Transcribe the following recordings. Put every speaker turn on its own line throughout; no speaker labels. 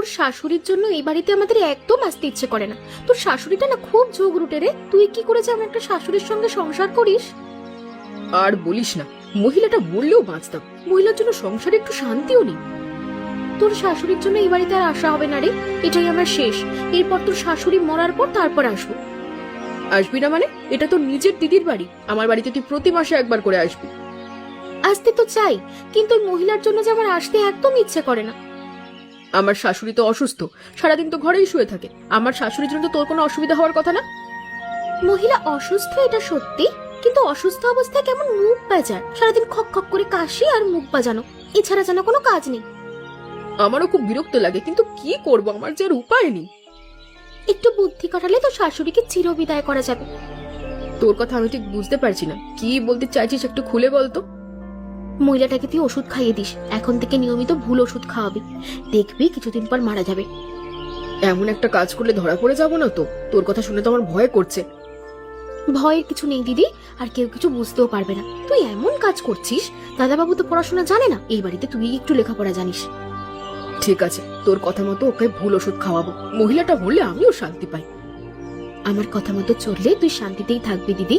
তোর শাশুড়ির জন্য এই বাড়িতে আমাদের একদম আসতে ইচ্ছে করে না। তোর শাশুড়িটা না খুব ঝগড়ুটে রে। তুই কি করে যে আমার একটা শাশুড়ির সঙ্গে সংসার করিস?
আর বলিস না, মহিলাটা বললেও বাঁচতাম, মহিলার জন্য সংসারে একটু শান্তিও নেই।
তোর শাশুড়ির জন্য এই বাড়িতে আর আসা হবে না রে, এটাই আমার শেষ। এরপর তোর শাশুড়ি মরার পর তারপর আসবো।
আসবি না মানে? এটা তোর নিজের দিদির বাড়ি, আমার বাড়িতে তুই প্রতি মাসে একবার করে আসবি।
আসতে তো চাই, কিন্তু ওই মহিলার জন্য যে আমার আসতে একদম ইচ্ছে করে না।
আমার শাশুড়ি তো অসুস্থ, সারাদিন তো ঘরেই শুয়ে থাকে। আমার শাশুড়ির জন্য তো তোর কোনো অসুবিধা হওয়ার কথা না।
মহিলা অসুস্থ এটা সত্যি, কিন্তু অসুস্থ অবস্থায় কেমন মুখ বাজায়, সারাদিন খক খক করে কাশি আর মুখ বাজানো, এছাড়া যেন কোনো কাজ নেই।
আমারও খুব বিরক্ত লাগে, কিন্তু কি করব, আমার যে আর উপায় নেই।
একটু বুদ্ধি কাটালে তো শাশুড়িকে চিরবিদায় করা যাবে।
তোর কথা আমি ঠিক বুঝতে পারছি না, কি বলতে চাইছিস একটু খুলে বলতো।
মহিলাটাকে তুই ওষুধ খাইয়ে দিস, এখন থেকে নিয়মিত ভুল ওষুধ খাওয়াবি, দেখবি কিছুদিন পর মারা যাবে।
এমন একটা কাজ করলে ধরা পড়ে যাব না তো? তোর কথা শুনে তো আমার ভয় করছে।
ভয়ের কিছু নেই দিদি, আর কেউ কিছু বুঝতেও পারবে না। তুই এমন কাজ করছিস, দাদাবাবু তো পড়াশোনা জানে না, এই বাড়িতে তুই একটু লেখাপড়া জানিস।
ঠিক আছে, তোর কথা মতো ওকে ভুল ওষুধ খাওয়াবো, মহিলাটা বললে আমিও শান্তি পাই।
আমার কথা মতো চললে তুই শান্তিতেই থাকবি দিদি।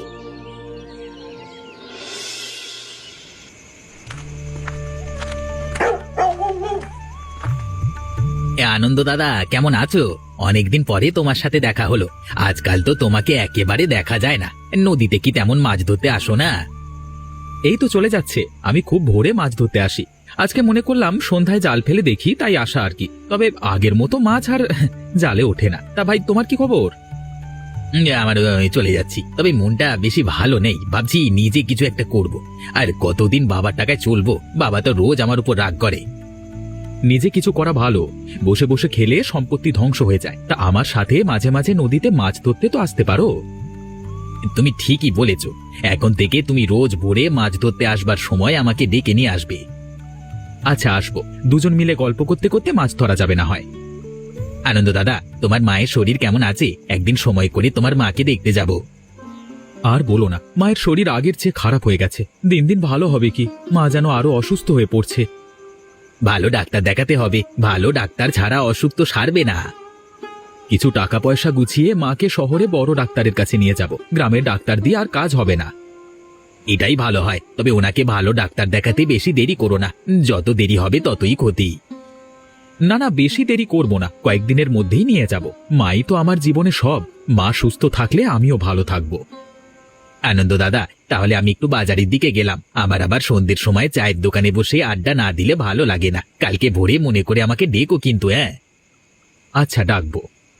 আনন্দ দাদা, কেমন আছো? অনেকদিন পরে তোমার সাথে দেখা হলো। আজকাল তো তোমাকে একেবারে দেখা যায় না। নদীতে কি তেমন মাছ ধরতে আসো না? এই তো চলে যাচ্ছে, আমি খুব ভোরে মাছ ধরতে আসি। আজকে মনে করলাম সন্ধ্যায় জাল ফেলে দেখি, তাই আসা আর কি। তবে আগের মতো মাছ আর জালে ওঠে না। তা ভাই, তোমার কি খবর? আমার চলে যাচ্ছি, তবে মনটা বেশি ভালো নেই। ভাবছি নিজে কিছু একটা করব। আর কতদিন বাবার টাকায় চলবো? বাবা তো রোজ আমার উপর রাগ করে। নিজে কিছু করা ভালো, বসে বসে খেলে সম্পত্তি ধ্বংস হয়ে যায়। তা আমার সাথে মাঝে মাঝে নদীতে মাছ ধরতে তো আসতে পারো। তুমি ঠিকই বলেছ, এখন থেকে তুমি রোজ ভোরে মাছ ধরতে আসবার সময় আমাকে ডেকে নিয়ে আসবে। আচ্ছা, আসবো। দুজন মিলে গল্প করতে করতে মাছ ধরা যাবে না হয়। আনন্দ দাদা, তোমার মায়ের শরীর কেমন আছে? একদিন সময় করে তোমার মাকে দেখতে যাব। আর বলো না, মায়ের শরীর আগের চেয়ে খারাপ হয়ে গেছে। দিন দিন ভালো হবে কি, মা যেন আরো অসুস্থ হয়ে পড়ছে। ভালো ডাক্তার দেখাতে হবে, ভালো ডাক্তার ছাড়া অসুখ তো সারবে না। কিছু টাকা পয়সা গুছিয়ে মাকে শহরে বড় ডাক্তারের কাছে নিয়ে যাব। গ্রামের ডাক্তার দিয়ে আর কাজ হবে না। এটাই ভালো হয়, তবে ওনাকে ভালো ডাক্তার দেখাতে বেশি দেরি করো না। যত দেরি হবে ততই ক্ষতি। না না, বেশি দেরি করব না, কয়েকদিনের মধ্যেই নিয়ে যাব। মাই তো আমার জীবনে সব। মা সুস্থ থাকলে আমিও ভালো থাকব। আনন্দ দাদা, তাহলে আমি একটু বাজারের দিকে গেলাম। আমার আবার সন্ধ্যের সময় চায়ের দোকানে বসে আড্ডা না দিলে ভালো লাগে না। কালকে ভোরে মনে করে আমাকে ডেকো কিন্তু। হ্যাঁ, আচ্ছা, ডাকবো।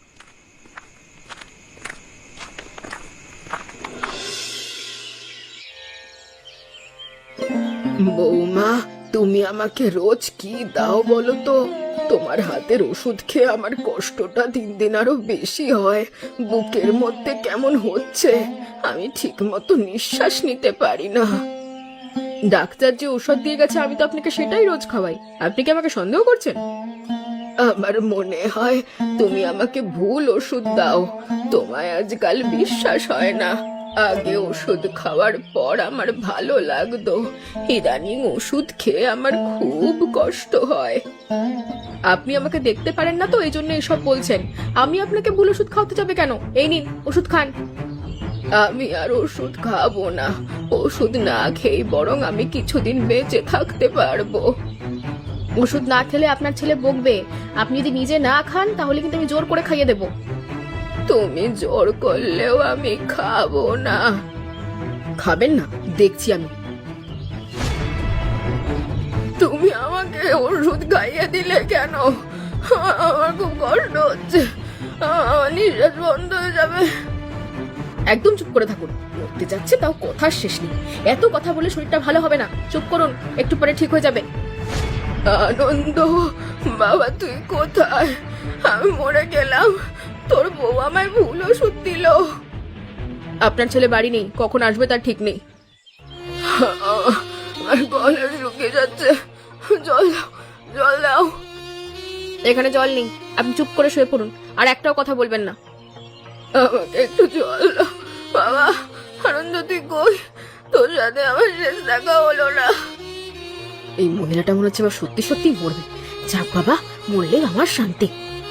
বৌমা, তুমি আমাকে রোজ কি দাও বলো তো? তোমার হাতের ওষুধ খেয়ে আমার কষ্টটা দিন দিন আরো বেশি হয়। বুকের মধ্যে কেমন হচ্ছে, আমি ঠিক মতো নিঃশ্বাস নিতে পারি না। ডাক্তার যে ওষুধ দিয়ে গেছে আমি তো আপনাকে সেটাই রোজ খাওয়াই। আপনি কি আমাকে সন্দেহ করছেন? আমার মনে হয় তুমি আমাকে ভুল ওষুধ দাও। তোমায় আজকাল বিশ্বাস হয় না। আগে ওষুধ খাওয়ার পর আমার ভালো লাগতো, ইদানিং ওষুধ খেয়ে আমার খুব কষ্ট হয়। আপনি আমাকে দেখতে পারেন না তো, এই জন্য এসব বলছেন। আমি আপনাকে ভুল ওষুধ খাওয়াতে যাবে কেন? এই নিন ওষুধ খান। আমি আর ওষুধ খাবো না। ওষুধ না খেয়ে বরং আমি কিছুদিন বেঁচে থাকতে পারবো। ওষুধ না খেলে আপনার ছেলে বকবে। আপনি যদি নিজে না খান তাহলে কিন্তু আমি জোর করে খাইয়ে দেবো। তুমি জোর করলেও আমি খাবো না। খাবেন না? দেখছি আমি। তুমি আমাকে ওষুধ খাইয়ে দিলে কেন? আমার খুব কষ্ট হচ্ছে, আমার নিঃশ্বাস বন্ধ হয়ে যাবে। একদম চুপ করে থাকুন, মরতে যাচ্ছে তাও কথার শেষ নেই। এত কথা বলে শরীরটা ভালো হবে না। চুপ করুন, একটু পরে ঠিক হয়ে যাবে। আনন্দ বাবা, তুই কোথায়? আমি মরে গেলাম, তোর বউ আমায় ভুল ওষুধ দিল। আপনার ছেলে বাড়ি নেই, কখন আসবে তার ঠিক নেই। আমার গলা শুকিয়ে যাচ্ছে, জল দাও, জল দাও। এখানে জল নেই, আপনি চুপ করে শুয়ে পড়ুন, আর একটাও কথা বলবেন না। আমাকে একটু জল দাও বাবা। আনন্দ, তুই কই? তোর সাথে আমার শেষ দেখা হলো না। এই মহিলাটা মনে হচ্ছে আবার সত্যি সত্যি মরবে। যাক বাবা,
মরলে আমার শান্তি।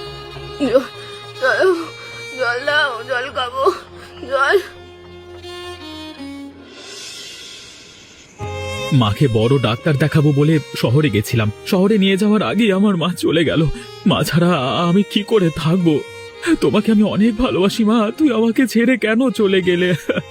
জল দাও, জল খাবো, জল।
মাকে বড় ডাক্তার দেখাবো বলে শহরে গেছিলাম। শহরে নিয়ে যাওয়ার আগে আমার মা চলে গেল। মা ছাড়া আমি কি করে থাকবো? তোমাকে আমি অনেক ভালোবাসি মা, তুই আমাকে ছেড়ে কেন চলে গেলে?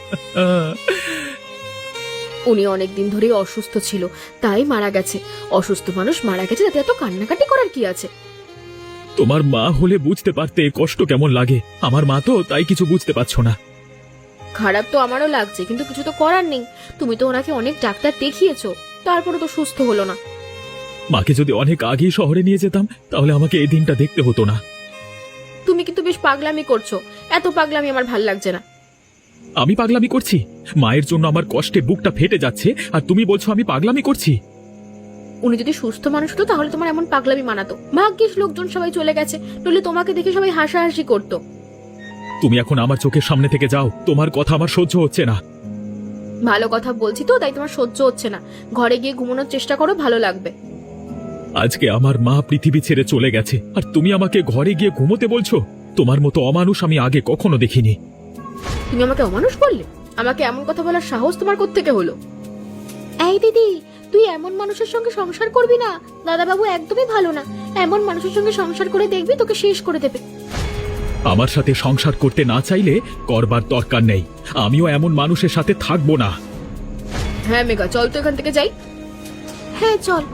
উনি অনেকদিন ধরেই অসুস্থ ছিল, তাই মারা গেছে। অসুস্থ মানুষ মারা গেছে, তাতে এত কান্নাকাটি করার কি আছে?
তোমার মা হলে বুঝতে পারতে কষ্ট কেমন লাগে। আমার মা তো তাই কিছু বুঝতে পারছো না।
খারাপ তো আমারও লাগছে, কিন্তু কিছু তো করার নেই। তুমি তো ওনাকে অনেক ডাক্তার দেখিয়েছো, তারপরে তো সুস্থ হলো না।
মাকে যদি অনেক আগেই শহরে নিয়ে যেতাম তাহলে আমাকে এই দিনটা দেখতে হতো না।
তুমি কিন্তু বেশ পাগলামি করছো, এত পাগলামি আমার ভাল লাগছে না।
আমি পাগলামি করছি? মায়ের জন্য আমার কষ্টে বুকটা ফেটে যাচ্ছে, আর তুমি বলছো আমি পাগলামি করছি?
উনি যদি সুস্থ মানুষ হতো তাহলে তোমার এমন পাগলামি মানাতো। ভাগ্যিস লোকজন সবাই চলে গেছে, নইলে তোমাকে দেখে সবাই হাসাহাসি করতো।
তুমি এখন আমার চোখের সামনে থেকে যাও, তোমার কথা আমার সহ্য হচ্ছে না।
ভালো কথা বলছি তো, তাই তোমার সহ্য হচ্ছে না। ঘরে গিয়ে ঘুমানোর চেষ্টা করো, ভালো লাগবে।
আজকে আমার মা পৃথিবী ছেড়ে চলে গেছে, আর তুমি আমাকে ঘরে গিয়ে ঘুমোতে বলছো? তোমার মতো অমানুষ আমি আগে কখনো দেখিনি।
তুমি আমাকে অমানুষ বললে? আমাকে এমন কথা বলার সাহস তোমার কোত্থেকে হলো? এই দিদি, তুই এমন মানুষের সঙ্গে সংসার করবি না। দাদাবাবু একদমই ভালো না। এমন মানুষের সঙ্গে সংসার করে দেখবি তোকে শেষ করে দেবে।
আমার সাথে সংসার করতে না চাইলে করবার দরকার নেই। আমিও এমন মানুষের সাথে থাকবো না।
হ্যাঁ মেঘা, চল তো এখান থেকে যাই। হ্যাঁ চল।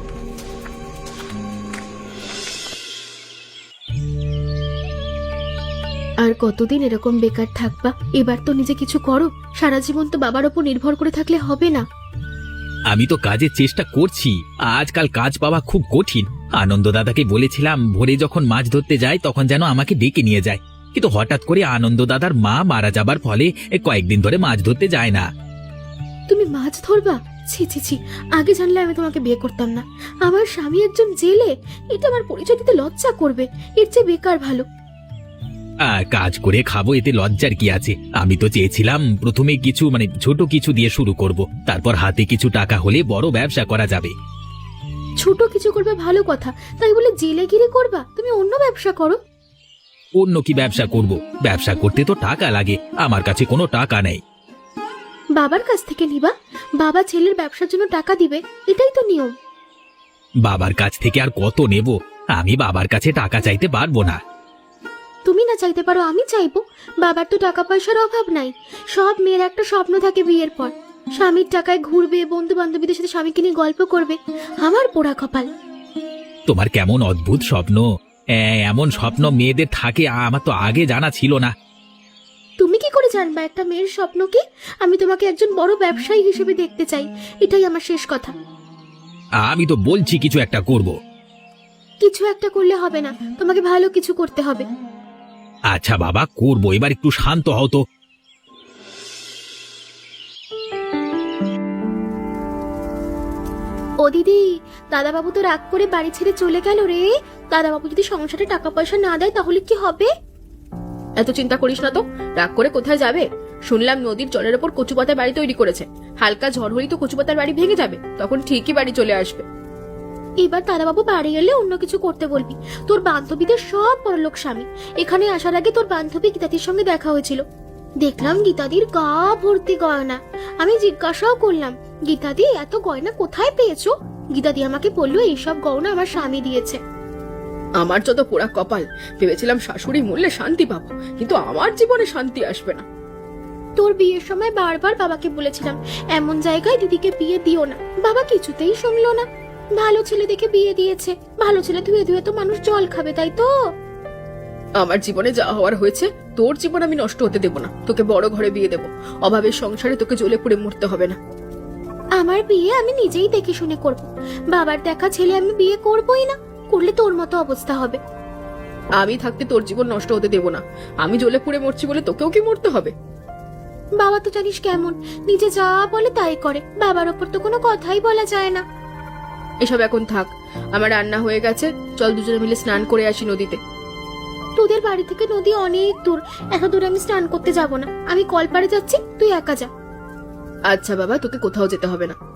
আর কতদিন এরকম বেকার থাকবা? এবার তো নিজে কিছু করো। সারা জীবন তো বাবার ওপর নির্ভর করে থাকলে হবে না।
আমি তো কাজের চেষ্টা করছি, আজকাল কাজ পাওয়া খুব কঠিন। আনন্দ দাদাকে বলেছিলাম ভোরে যখন মাছ ধরতে যায় তখন যেন আমাকে ডেকে নিয়ে যায়, কিন্তু হঠাৎ করে আনন্দ দাদার মা মারা যাবার ফলে কয়েকদিন ধরে মাছ ধরতে যায় না।
তুমি মাছ ধরবা? ছি ছি ছি, আগে জানলে আমি তোমাকে বিয়ে করতাম না। আমার স্বামী একজন জেলে, এটা আমার পরিচয় দিতে লজ্জা করবে। এর চেয়ে বেকার ভালো।
কাজ করে খাবো, এতে লজ্জার কি আছে? আমি তো চেয়েছিলাম প্রথমে কিছু ছোট কিছু দিয়ে শুরু করব, তারপর হাতে কিছু টাকা হলে বড় ব্যবসা করা যাবে।
ছোট কিছু করবে ভালো কথা, তাই বলে জেলেগিরি করবা? তুমি অন্য ব্যবসা করো।
অন্য কি ব্যবসা করব? ব্যবসা করতে তো টাকা লাগে, আমার কাছে কোনো টাকা নেই।
বাবার কাছ থেকে নিবা? বাবা ছেলের ব্যবসার জন্য টাকা দিবে, এটাই তো নিয়ম।
বাবার কাছ থেকে আর কত নেব? আমি বাবার কাছে টাকা চাইতে পারবো না।
তুমি না চাইতে পারো, আমি চাইবো। বাবার তো টাকা পয়সার অভাব নাই। সব মেয়ের একটা স্বপ্ন থাকে বিয়ের পর, স্বামীর টাকায় ঘুরবে, বন্ধু বান্ধবীদের সাথে স্বামীকে নিয়ে গল্প করবে। আমার পোড়া কপাল।
তোমার কেমন অদ্ভুত স্বপ্ন! এমন স্বপ্ন মেয়েদের থাকে, আমার তো আগে জানা ছিল না।
তুমি কি করে জানবা একটা মেয়ের স্বপ্ন কি? আমি তোমাকে একজন বড় ব্যবসায়ী হিসেবে দেখতে চাই, এটাই আমার শেষ কথা।
আমি তো বলছি কিছু একটা করব।
কিছু একটা করলে হবে না, তোমাকে ভালো কিছু করতে হবে।
আচ্ছা বাবা, করবো। এবার একটু শান্ত হও তো।
ও দিদি, দাদাবাবু তো রাগ করে বাড়ি ছেড়ে চলে গেল রে। দাদাবাবু যদি সংসারে টাকা পয়সা না দেয় তাহলে কি হবে? এত চিন্তা করিস না তো, রাগ করে কোথায় যাবে? শুনলাম নদীর জলের ওপর কচুপাতার বাড়ি তৈরি করেছে। হালকা ঝড় হলেই তো কচুপাতার বাড়ি ভেঙে যাবে, তখন ঠিকই বাড়ি চলে আসবে। এবার দাদাবাবু বাড়ি এলে অন্য কিছু করতে বলবি। তোর বান্ধবীদের সব বড়লোক স্বামী। এখানে আসার আগে তোর বান্ধবী গীতাদির সঙ্গে দেখা হয়েছিল। দেখলাম গীতাদির গা ভর্তি গয়না। আমি জিজ্ঞাসাও করলাম, গীতাদি এত গয়না কোথায় পেয়েছো? গীতাদি আমাকে বললো এইসব গয়না আমার স্বামী দিয়েছে।
আমার যত পোড়া কপাল, ভেবেছিলাম শাশুড়ি মূল্যে শান্তি পাবো, কিন্তু আমার জীবনে শান্তি আসবে না।
তোর বিয়ের সময় বারবার বাবাকে বলেছিলাম এমন জায়গায় দিদিকে বিয়ে দিও না, বাবা কিছুতেই শুনলো না। ভালো ছেলে দেখে বিয়ে দিয়েছে। ভালো ছেলে ধুয়ে ধুয়ে তো মানুষ জল খাবে, তাই তো?
আমার জীবনে যা হওয়ার হয়েছে, তোর জীবন আমি নষ্ট হতে দেব না। তোকে বড় ঘরে বিয়ে দেব, অভাবের সংসারে তোকে জ্বলে পুড়ে মরতে হবে না।
আমার বিয়ে আমি নিজেই দেখে শুনে করব। বাবার দেখা ছেলে আমি বিয়ে করবই না, করলে তোর মতো অবস্থা হবে।
আমি থাকতে তোর জীবন নষ্ট হতে দেব না। আমি জ্বলে পুড়ে মরছি বলে তোকেও কি মরতে হবে?
বাবা তো জানিস কেমন, নিজে যা বলে তাই করে। বাবার ওপর তো কোনো কথাই বলা যায় না।
এসব এখন থাক, আমার রান্না হয়ে গেছে, চল দুজনে মিলে স্নান করে আসি নদীতে।
তোদের বাড়ি থেকে নদী অনেক দূর, এত দূরে আমি স্নান করতে যাব না। আমি কলপাড়ে যাচ্ছি, তুই একা যা।
আচ্ছা বাবা, তোকে কোথাও যেতে হবে না।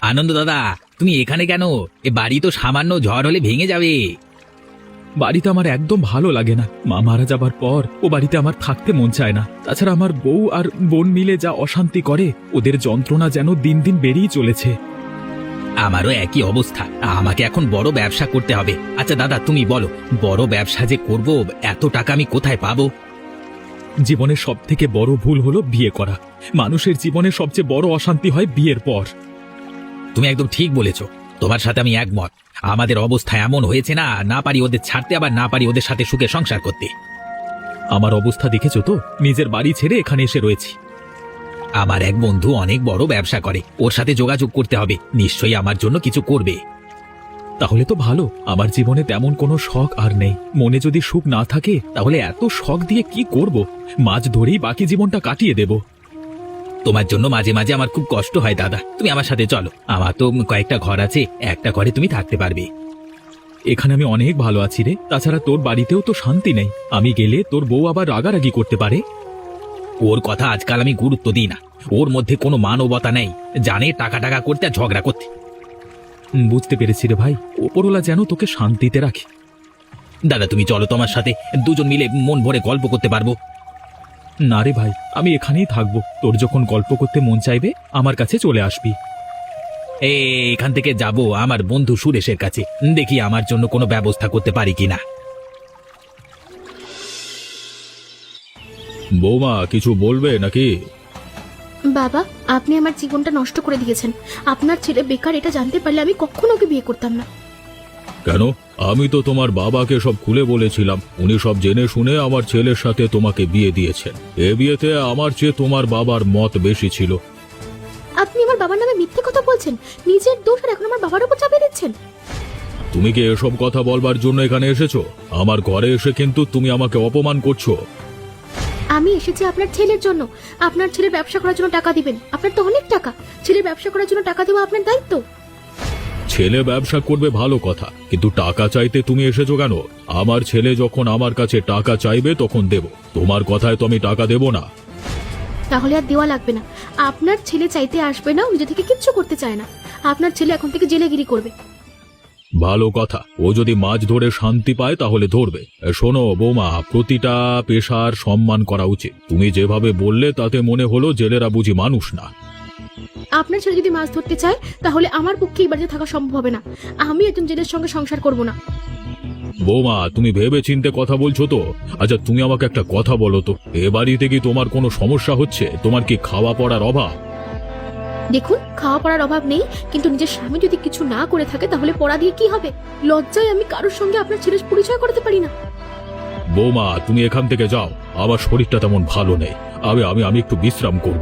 আনন্দ দাদা, তুমি এখানে কেন? এ বাড়ি তো সামান্য ঝড় হলে ভেঙে যাবে। বাড়িতে আমার একদম ভালো লাগে না। মা মারা যাবার পর ও বাড়িতে আমার থাকতে মন চায় না। তাছাড়া আমার বউ আর বোন মিলে যা অশান্তি করে, ওদের যন্ত্রণা যেন দিন দিন বেড়েই চলেছে। আমারও একই অবস্থা। আমাকে এখন বড় ব্যবসা করতে হবে। আচ্ছা দাদা, তুমি বলো, বড় ব্যবসা যে করব, এত টাকা আমি কোথায় পাবো? জীবনের সব থেকে বড় ভুল হলো বিয়ে করা। মানুষের জীবনে সবচেয়ে বড় অশান্তি হয় বিয়ের পর। তুমি একদম ঠিক বলেছ, তোমার সাথে আমি একমত। আমাদের অবস্থা এমন হয়েছে, না পারি ওদের ছাড়তে, আবার না পারি ওদের সাথে সুখে সংসার করতে। আমার অবস্থা দেখেছো তো, নিজের বাড়ি ছেড়ে এখানে এসে রয়েছি। আমার এক বন্ধু অনেক বড় ব্যবসা করে, ওর সাথে যোগাযোগ করতে হবে, নিশ্চয়ই আমার জন্য কিছু করবে। তাহলে তো ভালো। আমার জীবনে তেমন কোনো শখ আর নেই। মনে যদি সুখ না থাকে তাহলে এত শখ দিয়ে কি করব? মাছ ধরেই বাকি জীবনটা কাটিয়ে দেব। তোমার জন্য মাঝে মাঝে আমার খুব কষ্ট হয় দাদা, তুমি আমার সাথে চলো। আমার তো কয়েকটা ঘর আছে, একটা ঘরে তুমি থাকতে পারবে। এখানে আমি অনেক ভালো আছি রে। তাছাড়া তোর বাড়িতেও তো শান্তি নেই। আমি গেলে তোর বউ আবার রাগারাগি করতে পারে। ওর কথা আজকাল আমি গুরুত্ব দিই না। ওর মধ্যে কোনো মানবতা নেই, জানে টাকা টাকা করতে আর ঝগড়া করতে। বুঝতে পেরেছি রে ভাই, ওপরওয়ালা যেন তোকে শান্তিতে রাখে। দাদা তুমি চলো, তোমার সাথে দুজন মিলে মন ভরে গল্প করতে পারবো। না রে ভাই, আমি এখানেই থাকবো। তোর যখন গল্প করতে মন চাইবে আমার কাছে চলে আসবি। এখান থেকে যাব আমার বন্ধু সুরেশের কাছে, দেখি আমার জন্য কোনো ব্যবস্থা করতে পারি কিনা। বৌমা কিছু বলবে নাকি?
বাবা, আপনি আমার জীবনটা নষ্ট করে দিয়েছেন। আপনার ছেলে বেকার, এটা জানতে পারলে আমি কখনো ওকে বিয়ে করতাম না।
কেন? আমি তো তোমার বাবাকে সব খুলে বলেছিলাম। উনি সব জেনে শুনে আমার ছেলের সাথে তোমাকে বিয়ে দিয়েছেন। এ বিয়েতে আমার চেয়ে তোমার বাবার মত বেশি ছিল।
আপনি আমার বাবার নামে মিথ্যে কথা বলছেন, নিজের দোষ আর এখন আমার বাবার উপর চাপিয়ে দিচ্ছেন।
তুমি কি এসব কথা বলবার জন্য এখানে এসেছো? আমার ঘরে এসে কিন্তু তুমি আমাকে অপমান করছো।
আমি এসেছি আপনার ছেলের জন্য। আপনার ছেলের ব্যবসা করার জন্য টাকা দিবেন। আপনার তো অনেক টাকা, ছেলের ব্যবসা করার জন্য টাকা দেওয়া আপনার দায়িত্ব।
ছেলে ব্যবসা করবে ভালো কথা, কিন্তু টাকা চাইতে তুমি এসেছো কেন? আমার ছেলে যখন আমার কাছে টাকা চাইবে তখন দেব। তোমার কথায় তো আমি টাকা দেব না।
তাহলে আর দেওয়া লাগবে না। আপনার ছেলে চাইতে আসবে না, নিজে থেকে কিচ্ছু করতে চায় না। আপনার ছেলে এখন থেকে জেলেগিরি করবে।
ভালো কথা, ও যদি মাছ ধরে শান্তি পায় তাহলে ধরবে। শোনো বৌমা, প্রতিটা পেশার সম্মান করা উচিত। তুমি যেভাবে বললে তাতে মনে হলো জেলেরা বুঝি মানুষ না।
আপনার ছেলে যদি মাছ ধরতে চায় তাহলে আমার পক্ষে এই বাড়িতে থাকা সম্ভব হবে না। আমি একজন জেলের সঙ্গে সংসার করব না।
বৌমা তুমি ভেবে চিন্তে কথা বলছো তো? আচ্ছা তুমি আমাকে একটা কথা বলো তো, এ বাড়িতে কি তোমার কোনো সমস্যা হচ্ছে? তোমার কি খাওয়া পড়ার অভাব?
দেখুন, খাওয়া পড়ার অভাব নেই, কিন্তু নিজের স্বামী যদি কিছু না করে থাকে তাহলে পড়া দিয়ে কি হবে? লজ্জায় আমি কারোর সঙ্গে আপনার ছেলের পরিচয় করতে পারি না।
বৌমা তুমি এখান থেকে যাও, আমার শরীরটা তেমন ভালো নেই। আমি একটু বিশ্রাম করব।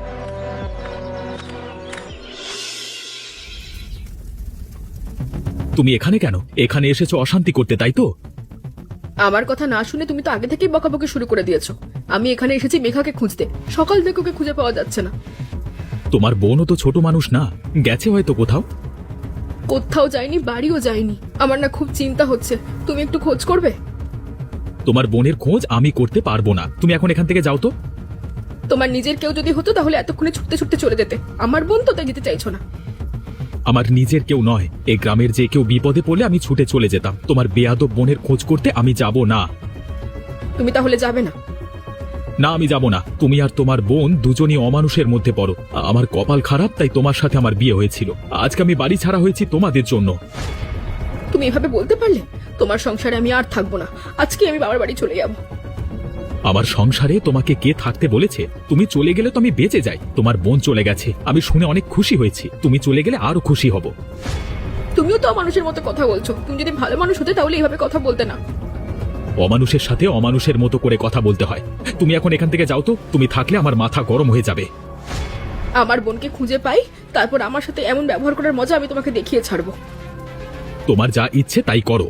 তুমি এখানে কেন? এখানে এসেছো অশান্তি করতে, তাই তো?
আমার কথা না শুনে তুমি তো আগে থেকেই বকাবকি শুরু করে দিয়েছো। আমি এখানে এসেছি মেঘাকে খুঁজতে। সকাল থেকে ওকে খুঁজে পাওয়া যাচ্ছে না।
তোমার বোনও তো ছোট মানুষ না, গেছে হয়তো কোথাও।
কোথাও যায়নি, বাড়িও যায়নি। আমার না খুব চিন্তা হচ্ছে, তুমি একটু খোঁজ করবে?
তোমার বোনের খোঁজ আমি করতে পারবো না। তুমি এখন এখান থেকে যাও তো।
তোমার নিজের কেউ যদি হতো তাহলে এতক্ষণে ছুটতে ছুটতে চলে যেতে। আমার বোন তো তাই যেতে চাইছো না।
আমার নিজের কেউ নয়, এই গ্রামের যে কেউ বিপদে পড়লে আমি ছুটে চলে যেতাম। তোমার বেয়াদব বোনের খোঁজ করতে আমি যাব না।
তুমি তাহলে যাবে না?
না, আমি যাব না। তুমি আর তোমার বোন দুজনই অমানুষের মধ্যে পড়ো। আমার কপাল খারাপ, তাই তোমার সাথে আমার বিয়ে হয়েছিল। আজকে আমি বাড়ি ছাড়া হয়েছি তোমাদের জন্য।
তুমি এভাবে বলতে পারলে? তোমার সংসারে আমি আর থাকবো না। আজকে আমি বাবার বাড়ি চলে যাব।
আমার সংসারে তোমাকে কে থাকতে বলেছে? তুমি চলে গেলে তো আমি বেঁচে যাই। তোমার বোন চলে গেছে, আমি শুনে অনেক খুশি হয়েছি। তুমি চলে গেলে আরো খুশি হব।
তুমিও তো মানুষের মতো কথা বলছো। তুমি যদি ভালো মানুষ হতে তাহলে এইভাবে কথা বলতে না।
অমানুষের সাথে অমানুষের মতো করে কথা বলতে হয়। তুমি এখন এখান থেকে যাও তো। তুমি থাকলে আমার মাথা গরম হয়ে যাবে।
আমার বোনকে খুঁজে পাই, তারপর আমার সাথে এমন ব্যবহার করার মজা আমি তোমাকে দেখিয়ে ছাড়বো।
তোমার যা ইচ্ছে তাই করো।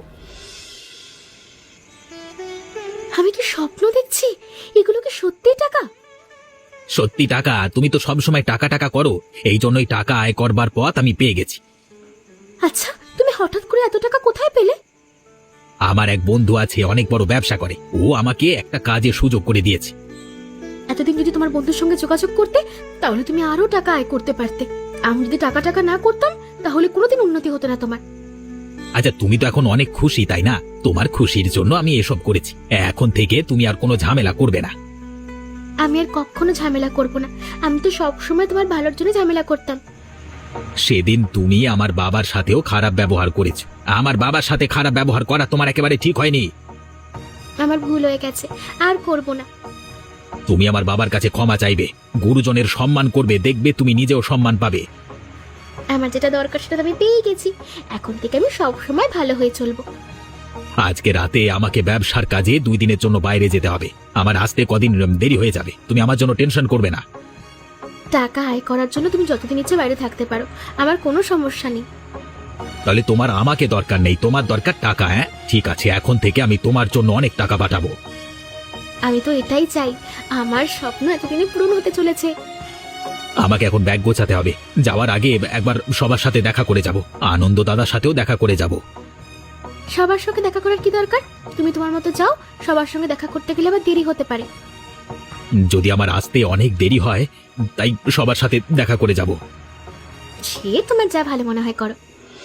আমি কি স্বপ্ন দেখছি? এগুলো কি সত্যি টাকা?
সত্যি টাকা। তুমি তো সবসময় টাকা টাকা করো, এই জন্যই টাকা আয় করবার পথ আমি পেয়ে গেছি।
আচ্ছা, তুমি হঠাৎ করে এত টাকা কোথায় পেলে?
আমার এক বন্ধু আছে, অনেক বড় ব্যবসা করে। ও আমাকে একটা কাজের সুযোগ করে দিয়েছে।
এতদিন যদি তোমার বন্ধুর সঙ্গে যোগাযোগ করতে তাহলে তুমি আরো টাকা আয় করতে পারতে। আমি যদি টাকা টাকা না করতাম তাহলে কোনোদিন উন্নতি হতো না তোমার।
আচ্ছা তুমি তো এখন অনেক খুশি তাই না? তোমার খুশির জন্য আমি এসব করেছি। এখন থেকে তুমি আর কোনো ঝামেলা করবে না।
আমি আর কখনো ঝামেলা করব না। আমি তো সব সময় তোমার ভালোর জন্য ঝামেলা করতাম।
সেদিন তুমি আমার বাবার সাথেও খারাপ ব্যবহার করেছো। আমার বাবার সাথে খারাপ ব্যবহার করা তোমার একেবারে ঠিক হয়নি।
আমার ভুল হয়ে গেছে, আর করব না।
তুমি আমার বাবার কাছে ক্ষমা চাইবে, গুরুজনের সম্মান করবে, দেখবে তুমি নিজেও সম্মান পাবে।
আমার যেটা দরকার সেটা তো আমি পেয়ে গেছি। এখন থেকে আমি সব সময় ভালো হয়ে চলবো।
আজকে রাতে আমাকে ব্যবসার কাজে 2 দিনের জন্য বাইরে যেতে হবে। আমার আসতে কদিন দেরি হয়ে যাবে, তুমি আমার জন্য টেনশন করবে না।
টাকা আয় করার জন্য তুমি যতদিন ইচ্ছে বাইরে থাকতে পারো, আমার কোনো সমস্যা নেই।
তাহলে তোমার আমাকে দরকার নেই, তোমার দরকার টাকা। হ্যাঁ ঠিক আছে, এখন থেকে আমি তোমার জন্য অনেক টাকা পাঠাবো।
আমি তো এটাই চাই, আমার স্বপ্ন এতদিনে পূরণ হতে চলেছে।
আমাকে এখন ব্যাগ গোছাতে হবে। যাওয়ার আগে একবার সবার সাথে দেখা করে যাব, আনন্দ দাদার সাথেও দেখা করে যাব।
সবার সঙ্গে দেখা করার কি দরকার? তুমি তোমার মতো যাও, সবার সঙ্গে দেখা করতে গেলে আবার দেরি হতে পারে।
যদি আমার আসতে অনেক দেরি হয়, তাই সবার সাথে দেখা করে যাব।
সে তোমার যা ভালো মনে হয় করো।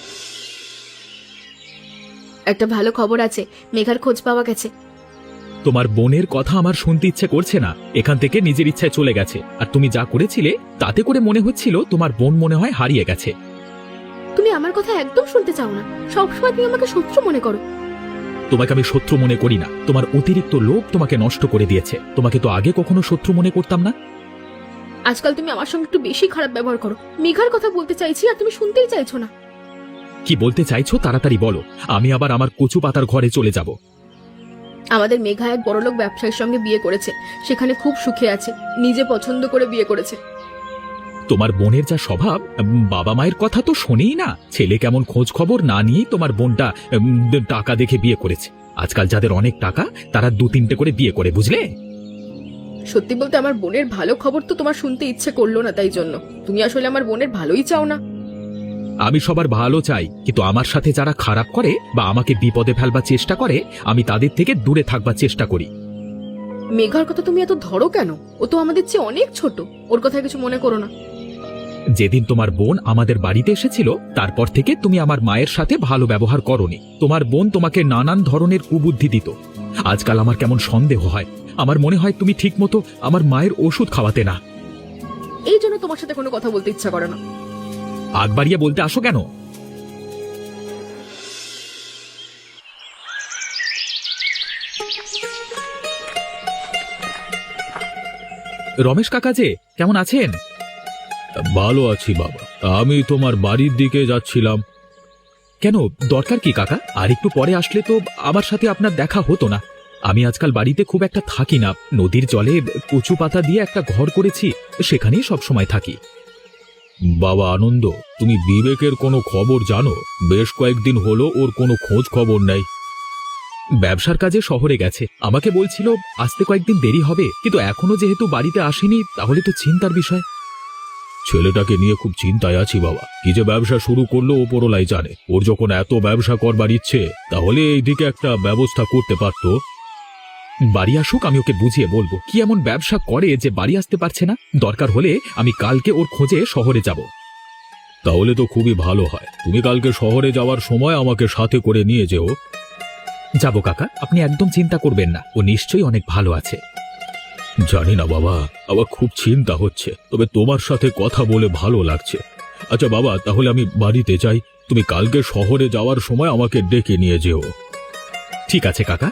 একটা ভালো খবর আছে, মেঘার খোঁজ পাওয়া গেছে।
তোমার বোনের কথা আমার শুনতে ইচ্ছে করছে না। এখান থেকে নিজের ইচ্ছায় চলে গেছে, আর তুমি যা করেছিলে তাতে করে মনে হচ্ছিল তোমার বোন মনে হয় হারিয়ে গেছে।
তুমি আমার কথা একদম শুনতে চাও না, সবসময় তুমি আমাকে শত্রু মনে করো।
তোমাকে আমি শত্রু মনে করি না, তোমার অতিরিক্ত লোভ তোমাকে নষ্ট করে দিয়েছে। তোমাকে তো আগে কখনো শত্রু মনে করতাম না।
আজকাল তুমি আমার সঙ্গে একটু বেশি খারাপ ব্যবহার করো। মেঘার কথা বলতে চাইছি আর তুমি শুনতেই চাইছো না।
কি বলতে চাইছো তাড়াতাড়ি বলো, আমি আবার আমার কচু পাতার ঘরে চলে যাব।
আমাদের মেঘা এক বড়লোক ব্যবসায়ীর সঙ্গে বিয়ে করেছে, সেখানে খুব সুখে আছে, নিজে পছন্দ করে বিয়ে করেছে।
তোমার বোনের যা স্বভাব, বাবা মায়ের কথা তো শোনেই না। ছেলে কেমন খোঁজ খবর না নিয়েই তোমার বোনটা টাকা দেখে বিয়ে করেছে। আজকাল যাদের অনেক টাকা তারা 2-3টে করে বিয়ে করে, বুঝলে?
সত্যি বলতে আমার বোনের ভালো খবর তো তোমার শুনতে ইচ্ছে করলো না, তাই জন্য। তুমি আসলে আমার বোনের ভালোই চাও না।
আমি সবার ভালো চাই, কিন্তু আমার সাথে যারা খারাপ করে বা আমাকে বিপদে ফেলবার চেষ্টা করে, আমি তাদের থেকে দূরে থাকবার চেষ্টা করি।
মেঘার কথা তুমি এত ধরো কেন? ও তো আমাদের চেয়ে অনেক ছোট, ওর কথা কিছু মনে করো না।
যেদিন তোমার বোন আমাদের বাড়িতে এসেছিল তারপর থেকে তুমি আমার মায়ের সাথে ভালো ব্যবহার করনি। তোমার বোন তোমাকে নানান ধরনের কুবুদ্ধি দিত। আজকাল আমার কেমন সন্দেহ হয়, আমার মনে হয় তুমি ঠিকমতো আমার মায়ের ওষুধ খাওয়াতে না।
এই জন্য তোমার সাথে কোনো কথা বলতে ইচ্ছা করে না।
আগ বাড়িয়ে বলতে আসো কেন? রমেশ কাকা যে কেমন আছেন? ভালো আছি বাবা, আমি তোমার বাড়ির দিকে যাচ্ছিলাম। কেন, দরকার কি কাকা? আর একটু পরে আসলে তো আমার সাথে আপনার দেখা হতো না। আমি আজকাল বাড়িতে খুব একটা থাকি না। নদীর জলে কচু পাতা দিয়ে একটা ঘর করেছি, সেখানেই সব সময় থাকি। বাবা আনন্দ, তুমি বিবেকের কোনো খবর জানো? বেশ কয়েকদিন হলো ওর কোনো খোঁজ খবর নেই। ব্যবসার কাজে শহরে গেছে, আমাকে বলছিল আসতে কয়েকদিন দেরি হবে, কিন্তু এখনো যেহেতু বাড়িতে আসেনি তাহলে তো চিন্তার বিষয়। ছেলেটাকে নিয়ে খুব চিন্তায় আছি বাবা। কি যে ব্যবসা শুরু করলো ওপরলাই জানে। ওর যখন এত ব্যবসা করবার ইচ্ছে, তাহলে এইদিকে একটা ব্যবস্থা করতে পারতো। বাড়ি আসুক, আমি ওকে বুঝিয়ে বলবো কি এমন ব্যবসা করে যে বাড়ি আসতে পারছে না। দরকার হলে আমি কালকে ওর খোঁজে শহরে যাব। তাহলে তো খুবই ভালো হয়। তুমি কালকে শহরে যাওয়ার সময় আমাকে সাথে করে নিয়ে যেও। যাব কাকা, আপনি একদম চিন্তা করবেন না, ও নিশ্চয়ই অনেক ভালো আছে। জানি না বাবা, আমার খুব চিন্তা হচ্ছে, তবে তোমার সাথে কথা বলে ভালো লাগছে। আচ্ছা বাবা, তাহলে আমি বাড়িতে যাই। তুমি কালকে শহরে যাওয়ার সময় আমাকে ডেকে নিয়ে যেও। ঠিক আছে কাকা।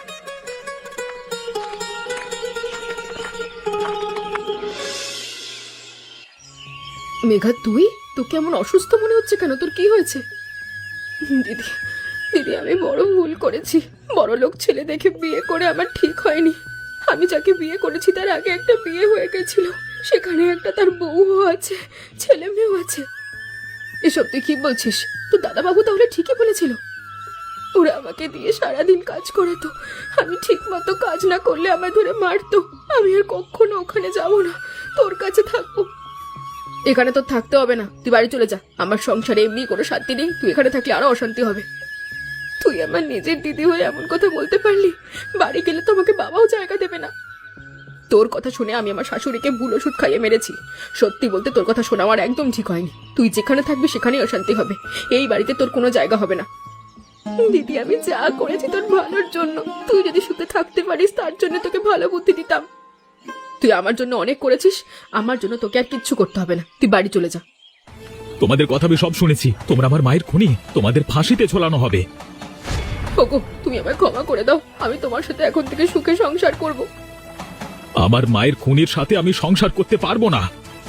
মেঘা, তুই তোকে এমন অসুস্থ মনে হচ্ছে কেন? তোর কি হয়েছে? দিদি, দিদি, আমি বড় ভুল করেছি। বড় লোক ছেলে দেখে বিয়ে করে আমার ঠিক হয়নি। আমি যাকে বিয়ে করেছি তার আগে একটা বিয়ে হয়ে গেছিল, সেখানে একটা তার বউও আছে, ছেলে মেয়েও আছে। এসব তুই কি বলছিস? তো দাদাবাবু তাহলে ঠিকই বলেছিল। ওরা আমাকে দিয়ে সারাদিন কাজ করাতো, আমি ঠিক মতো কাজ না করলে আমায় ধরে মারতো। আমি আর কখনো ওখানে যাব না, তোর কাছে থাকবো। এখানে তোর থাকতে হবে না, তুই বাড়ি চলে যা। আমার সংসারে এমনি কোনো শান্তি নেই, তুই এখানে থাকলে আরো অশান্তি হবে। তুই আমার নিজের দিদি হয়ে এমন কথা বলতে পারলি? বাড়ি গেলে তো আমাকে বাবাও জায়গা দেবে না। তোর কথা শুনে আমি আমার শাশুড়িকে ভুল ওষুধ খাইয়ে মেরেছি। সত্যি বলতে তোর কথা শোনা আমার একদম ঠিক হয়নি। তুই যেখানে থাকবি সেখানেই অশান্তি হবে। এই বাড়িতে তোর কোনো জায়গা হবে না। দিদি, আমি যা করেছি তোর ভালোর জন্য। তুই যদি সুখে থাকতে পারিস তার জন্য তোকে ভালো বুদ্ধি দিতাম। তুই আমার জন্য অনেক করেছিস, আমার জন্য তোকে আর কিচ্ছু করতে হবে না। তুই বাড়ি চলে যা।
তোমাদের কথা আমি সব শুনেছি। তোমরা আমার মায়ের খুনি, তোমাদের ফাঁসিতে ঝোলানো হবে।
ওগো, তুমি আমায় ক্ষমা করে দাও। আমি তোমার সাথে এখন থেকে সুখে সংসার করব।
আমার মায়ের খুনির সাথে আমি সংসার করতে পারবো না।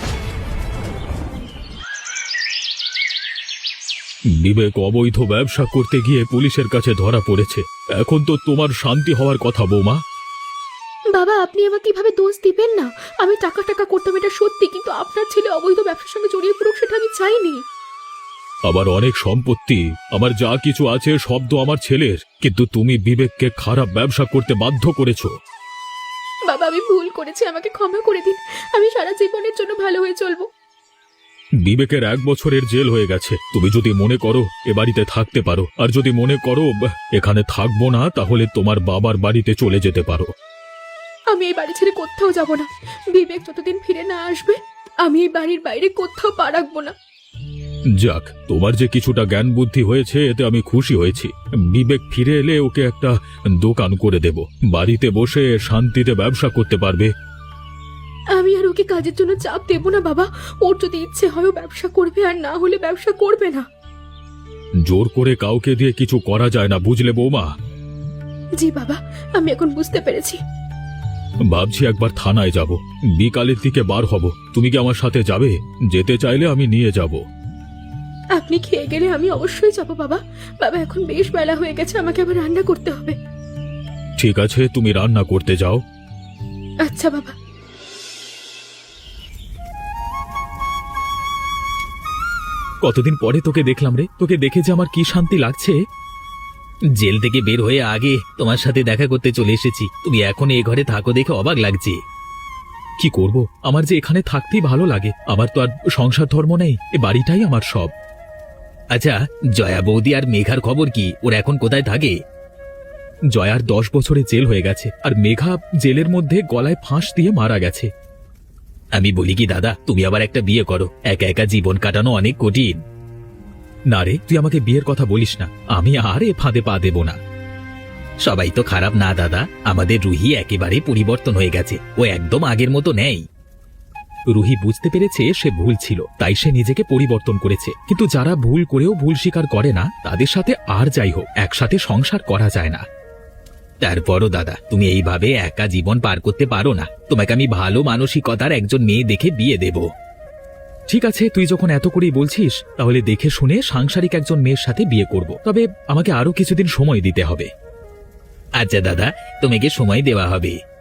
বিবেক অবৈধ ব্যবসা করতে গিয়ে পুলিশের কাছে ধরা পড়েছে। এখন তো তোমার শান্তি হওয়ার কথা বৌমা।
বাবা, আপনি আমাকে কিভাবে দোষ দিবেন না? আমি টাকা টাকা করতাম, এটা সত্যি, কিন্তু আপনার ছেলে অবৈধ ব্যবসার সঙ্গে জড়িয়ে পড়ুক সেটা আমি চাইনি।
আবার অনেক সম্পত্তি, আমার যা কিছু আছে সব তো আমার ছেলের, কিন্তু তুমি বিবেককে খারাপ ব্যবসা করতে বাধ্য করেছো।
বাবা, আমি ভুল করেছি, আমাকে ক্ষমা করে দিন। আমি সারা জীবনের জন্য ভালো হয়ে চলবো।
বিবেকের 1 বছরের জেল হয়ে গেছে। তুমি যদি মনে করো এ বাড়িতে থাকতে পারো, আর যদি মনে করো এখানে থাকবো না, তাহলে তোমার বাবার বাড়িতে চলে যেতে পারো।
আমি এই বাড়ি ছেড়ে কোথাও যাব না। বিবেক যতদিন ফিরে না আসবে আমি এই বাড়ির বাইরে কোথাও পা রাখবো না।
যাক, তোমার যে কিছুটা জ্ঞান বুদ্ধি হয়েছে এতে আমি খুশি হয়েছি। বিবেক ফিরে এলে ওকে একটা দোকান করে দেব, বাড়িতে বসে শান্তিতে ব্যবসা করতে পারবে।
আমি আর ওকে কাজের জন্য চাপ দেব না বাবা। ওর যদি ইচ্ছে হয় ও ব্যবসা করবে, আর না হলে ব্যবসা করবে না।
জোর করে কাউকে দিয়ে কিছু করা যায় না, বুঝলে বৌমা?
জি বাবা, আমি এখন বুঝতে পেরেছি।
ভাবছি একবার থানায় যাব, বিকালের দিকে বার হব। তুমি কি আমার সাথে যাবে? যেতে চাইলে আমি নিয়ে যাব।
আপনি খেয়ে গেলে আমি অবশ্যই যাব বাবা। বাবা, এখন বেশ বেলা হয়ে গেছে, আমাকে আবার রান্না করতে হবে।
ঠিক আছে, তুমি রান্না করতে যাও।
আচ্ছা বাবা।
কতদিন পরে তোকে দেখলাম রে, তোকে দেখে যে আমার কি শান্তি লাগছে।
জেল থেকে বের হয়ে আগে তোমার সাথে দেখা করতে চলে এসেছি। তুমি এখন এ ঘরে থাকো দেখে অবাক লাগছে।
কি করব, আমার যে এখানে থাকতেই ভালো লাগে। আমার তো আর সংসার ধর্ম নেই, এ বাড়িটাই আমার সব।
আচ্ছা, জয়া বৌদি আর মেঘার খবর কি? ওরা এখন কোথায় থাকে?
জয়ার 10 বছরে জেল হয়ে গেছে, আর মেঘা জেলের মধ্যে গলায় ফাঁস দিয়ে মারা গেছে।
আমি বলি কি দাদা, তুমি আবার একটা বিয়ে করো। একা একা জীবন কাটানো অনেক কঠিন।
না রে, তুই আমাকে বিয়ের কথা বলিস না। আমি আর এ ফাঁদে পা দেব না।
সবাই তো খারাপ না দাদা, আমাদের রুহি একেবারে পরিবর্তন হয়ে গেছে। ও একদম আগের মতো নেই।
রুহি বুঝতে পেরেছে সে ভুল ছিল, তাই সে নিজেকে পরিবর্তন করেছে। কিন্তু যারা ভুল করেও ভুল স্বীকার করে না, তাদের সাথে আর যাই হোক একসাথে সংসার করা যায় না।
তারপরও দাদা, তুমি এইভাবে একা জীবন পার করতে পারো না। তোমাকে আমি ভালো মানসিকতার একজন মেয়ে দেখে বিয়ে দেব।
ঠিক আছে, তুই যখন এত করেই বলছিস, তাহলে দেখে শুনে সাংসারিক একজন মেয়ের সাথে বিয়ে করব। তবে আমাকে আরো কিছুদিন সময় দিতে হবে।
আচ্ছা দাদা, তোমাকে সময় দেওয়া হবে।